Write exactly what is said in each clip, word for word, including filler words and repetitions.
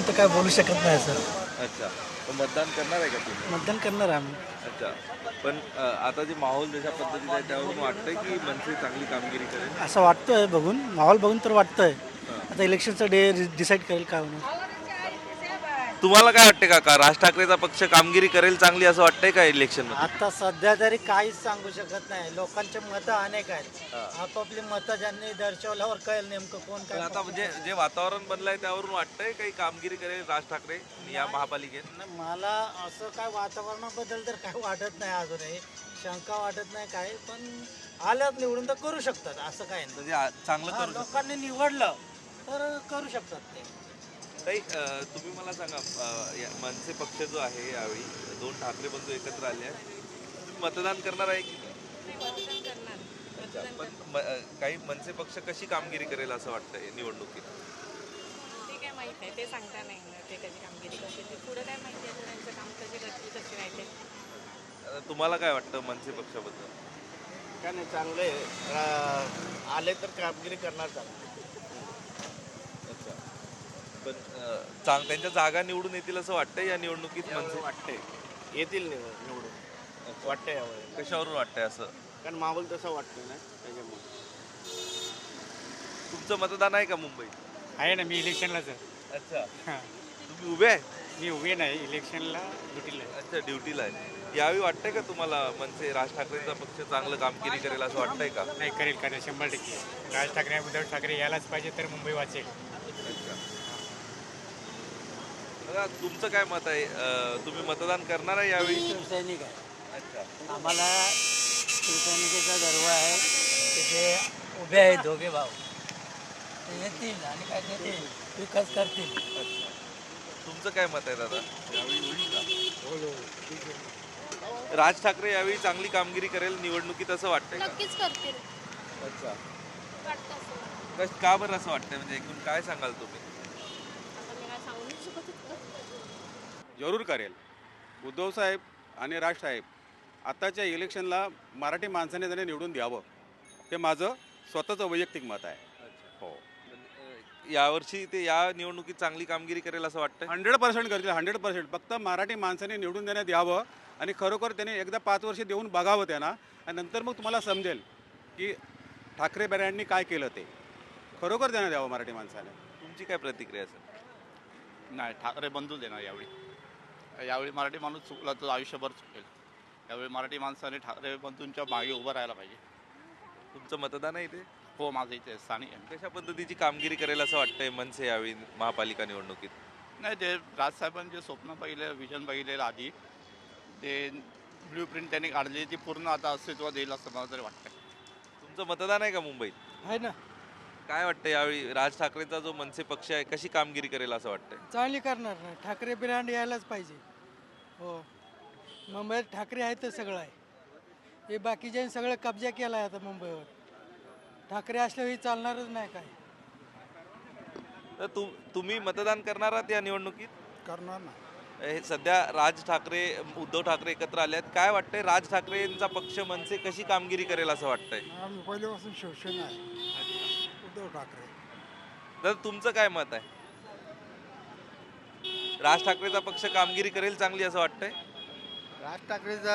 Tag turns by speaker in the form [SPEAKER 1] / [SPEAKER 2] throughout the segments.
[SPEAKER 1] तर काय बोलू शकत नाही सर.
[SPEAKER 2] अच्छा, तर मतदान करणार आहे का तुम्ही?
[SPEAKER 1] मतदान करणार आम्ही.
[SPEAKER 2] अच्छा, पण अ, आता जे माहोल जशा पद्धतीचा आहे त्यावरून वाटतंय की मनसे चांगली कामगिरी करेल?
[SPEAKER 1] असं वाटतंय बघून, माहोल बघून तर वाटतंय.
[SPEAKER 2] हां.
[SPEAKER 1] आता इलेक्शनचा डे डिसाईड करेल काय होणार.
[SPEAKER 2] तुम्हाला काय वाटते काका, राज ठाकरेचा पक्ष कामगिरी करेल चांगली असं वाटतंय का इलेक्शन मध्ये?
[SPEAKER 3] आता सध्या तरी काहीच सांगू शकत नाही. लोकांचे मतं अनेक आहेत. आपापली मतं ज्यांनी दर्शवल्यावर कळेल नेमकं कोण
[SPEAKER 2] पण
[SPEAKER 3] काय
[SPEAKER 2] आता
[SPEAKER 3] पक्ष
[SPEAKER 2] म्हणजे जे वातावरण बनलंय त्यावरून वाटतंय काही कामगिरी करेल राज ठाकरे या महापालिकेत?
[SPEAKER 3] नाही, मला असं काय वातावरणाबद्दल तर काय वाटत नाही अजूनही. शंका वाटत नाही काय, पण आल्यात निवडून तर करू शकतात असं काय नाही.
[SPEAKER 2] म्हणजे आ- चांगलं
[SPEAKER 3] हा,
[SPEAKER 2] करू शकतो.
[SPEAKER 3] लोकांनी निवडलं तर करू शकतात ते.
[SPEAKER 2] ताई, अ, तुम्ही मला सांगा, अ, या मनसे पक्ष जो आहे यावेळी दोन ठाकरे बंधू एकत्र आले आहेत, तुम्ही मतदान करणार आहे की नाही? अच्छा, पण म- अ, काही मनसे पक्ष कशी कामगिरी करेल असं वाटतंय निवडणुकीत?
[SPEAKER 4] ते काय माहीत नाही, ते सांगता नाही येणार ते कधी कामगिरी करतील. ते पुढं काय माहिती आहे त्यांचं काम कसे करतील कसे नाही ते.
[SPEAKER 2] अ, तुम्हाला काय वाटतं मनसे पक्षाबद्दल?
[SPEAKER 5] काय नाही चांगले आले तर कामगिरी करणार चांगली.
[SPEAKER 2] अच्छा, पण अ, चांग त्यांच्या जागा निवडून येतील असं वाटतंय या निवडणुकीत मनसे?
[SPEAKER 5] वाटते येतील निवड निवडून वाटते यावेळी,
[SPEAKER 2] कशावरून वाटतंय असं?
[SPEAKER 5] कारण माहोल तसा वाटतोय ना त्याच्यामुळे.
[SPEAKER 2] तुमचं मतदान आहे का मुंबईत?
[SPEAKER 6] आहे ना, मी इलेक्शनलाच आहे.
[SPEAKER 2] अच्छा,
[SPEAKER 6] हां,
[SPEAKER 2] तुम्ही उभे आहे?
[SPEAKER 6] मी उभे नाही इलेक्शनला, ड्युटीला आहे.
[SPEAKER 2] अच्छा, ड्युटीला आहे. यावेळी वाटतंय का तुम्हाला मनसे राज ठाकरेंचा पक्ष चांगलं कामगिरी करेल असं वाटतंय का?
[SPEAKER 6] नाही, करेल करेल शंभर टक्के. राज ठाकरे उद्धव ठाकरे यायलाच पाहिजे तर मुंबई वाचेल.
[SPEAKER 2] अच्छा. दादा, तुमचं काय मत आहे? अ, तुम्ही मतदान करणार आहे यावेळी?
[SPEAKER 3] शिवसैनिक आहे.
[SPEAKER 2] अच्छा,
[SPEAKER 3] आम्हाला शिवसैनिकेचा गर्व आहे की जे उभे आहेत दोघे भाऊ ते येतील आणि काय ते विकास करतील.
[SPEAKER 2] अच्छा. तुमचं काय मत आहे दादा? राज ठाकरे यावेळी चांगली कामगिरी करेल निवडणुकीत असं वाटतंय का?
[SPEAKER 7] नक्कीच करतील
[SPEAKER 2] अच्छा,
[SPEAKER 7] वाटतं असं.
[SPEAKER 2] कश- का बरं असं वाटतंय, म्हणजे एकूण काय सांगाल तुम्ही?
[SPEAKER 7] आता मी काय सांगू नाही शकत इतकं.
[SPEAKER 8] जरूर करेल. उद्धवसाहेब आणि राजसाहेब आताच्या इलेक्शनला मराठी माणसाने त्याने निवडून द्यावं, ते माझं स्वतःचं वैयक्तिक मत आहे. हो,
[SPEAKER 2] अ, यावर्षी ते या निवडणुकीत चांगली कामगिरी करेल असं वाटतंय?
[SPEAKER 8] हंड्रेड पर्सेंट करतील. हंड्रेड पर्सेंट फक्त मराठी माणसाने निवडून देण्यात यावं आणि खरोखर त्याने एकदा पाच वर्ष देऊन बघावं त्यांना, आणि नंतर मग तुम्हाला समजेल की ठाकरे बऱ्यांनी काय केलं ते. खरोखर देण्यात द्यावं मराठी माणसाने.
[SPEAKER 2] तुमची काय प्रतिक्रिया असेल?
[SPEAKER 9] नाही, ठाकरे बंधूच देणार यावेळी. यावेळी मराठी माणूस चुकला तर आयुष्यभर चुकेल. यावेळी मराठी माणसाने ठाकरे बंधूंच्या मागे उभं राहायला पाहिजे.
[SPEAKER 2] तुमचं मतदान आहे ते?
[SPEAKER 9] हो, माझं इथे स्थानिक आहे.
[SPEAKER 2] कशा पद्धतीची कामगिरी करेल असं वाटतंय मनसे यावेळी महापालिका निवडणुकीत?
[SPEAKER 9] नाही, ते राजसाहेबांचे स्वप्न पहिले, विजन पाहिलेलं आधी, ते ब्ल्यू प्रिंट त्यांनी काढली ती पूर्ण आता अस्तित्वात येईल असं मला तरी वाटतं.
[SPEAKER 2] तुमचं मतदान आहे का मुंबईत?
[SPEAKER 1] आहे ना,
[SPEAKER 2] काय वाटतं यावेळी राज ठाकरेंचा जो मनसे पक्ष आहे कशी कामगिरी करेल असं वाटतंय?
[SPEAKER 1] चांगली करणार नाही. ठाकरे ब्रँड यायलाच पाहिजे. हो, मुंबईत ठाकरे आहे तर सगळं आहे. हे बाकीच्यांनी सगळं कब्जा केला आहे आता मुंबईवर. ठाकरे असल्यावर चालणारच नाही काय.
[SPEAKER 2] तर तु तुम्ही मतदान करणार आहात या निवडणुकीत?
[SPEAKER 1] करणार ना.
[SPEAKER 2] हे सध्या राज ठाकरे उद्धव ठाकरे एकत्र आले आहेत, काय वाटतंय राज ठाकरेंचा पक्ष मनसे कशी कामगिरी करेल असं वाटतंय?
[SPEAKER 1] आम्ही पहिल्यापासून शिवसेना आहे, उद्धव ठाकरे.
[SPEAKER 2] तर तुमचं काय मत आहे? राज ठाकरेचा पक्ष कामगिरी करेल चांगली असं वाटतंय?
[SPEAKER 5] राज ठाकरेचा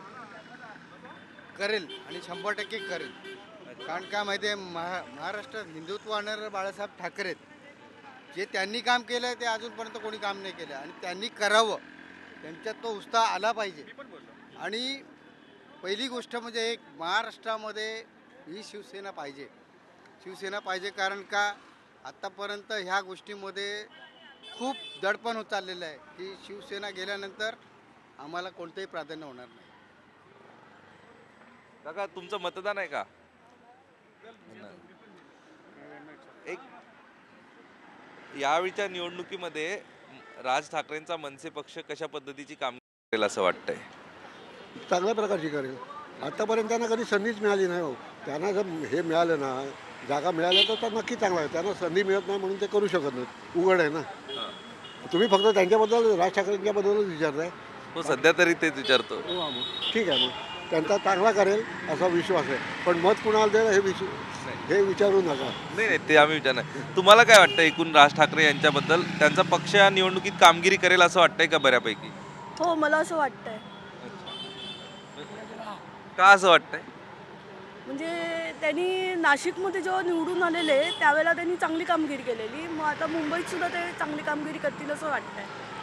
[SPEAKER 5] करेल आणि शंभर टक्के करेल. कारण काय माहिती आहे, महा महाराष्ट्रात हिंदुत्व आणणारे बाळासाहेब ठाकरे आहेत. जे त्यांनी काम केलं ते अजूनपर्यंत कोणी काम नाही केलं आणि त्यांनी करावं, त्यांच्यात तो उत्साह आला पाहिजे. आणि पहिली गोष्ट म्हणजे एक महाराष्ट्रामध्ये ही शिवसेना पाहिजे. शिवसेना पाहिजे कारण का आत्तापर्यंत ह्या गोष्टीमध्ये खूप दडपण होत चाललेलं आहे की शिवसेना गेल्यानंतर आम्हाला कोणतंही प्राधान्य होणार नाही.
[SPEAKER 2] काका, तुमचं मतदान आहे का? एक यावेळीच्या निवडणुकीमध्ये राज ठाकरेंचा मनसे पक्ष कशा पद्धतीची कामगिरी करेल असं वाटतंय?
[SPEAKER 10] चांगल्या प्रकारची करेल. आत्तापर्यंत त्यांना कधी संधीच मिळाली नाही. हो, त्यांना जर हे मिळालं ना, जागा मिळाल्या तर तर नक्की चांगलं आहे. त्यांना संधी मिळत नाही म्हणून ते करू शकत नाहीत. उघड आहे ना. तुम्ही फक्त त्यांच्याबद्दल राज ठाकरेंच्याबद्दलच विचारताय.
[SPEAKER 2] हो, सध्या तरी तेच विचारतो.
[SPEAKER 10] हो, मग ठीक आहे. मग त्यांचा चांगला करेल असा विश्वास आहे. पण मत कुणाला द्यायला हे विश्व हे विचारू नका.
[SPEAKER 2] नाही नाही ते आम्ही विचारणार. तुम्हाला काय वाटतं एकूण राज ठाकरे यांच्याबद्दल? त्यांचा पक्ष या निवडणुकीत कामगिरी करेल असं वाटतंय का बऱ्यापैकी?
[SPEAKER 7] हो मला असं वाटतंय.
[SPEAKER 2] का असं वाटतंय?
[SPEAKER 7] म्हणजे त्यांनी नाशिकमध्ये जेव्हा निवडून आलेले त्यावेळेला त्यांनी चांगली कामगिरी केलेली, मग आता मुंबईत सुद्धा ते चांगली कामगिरी करतील असं वाटतंय.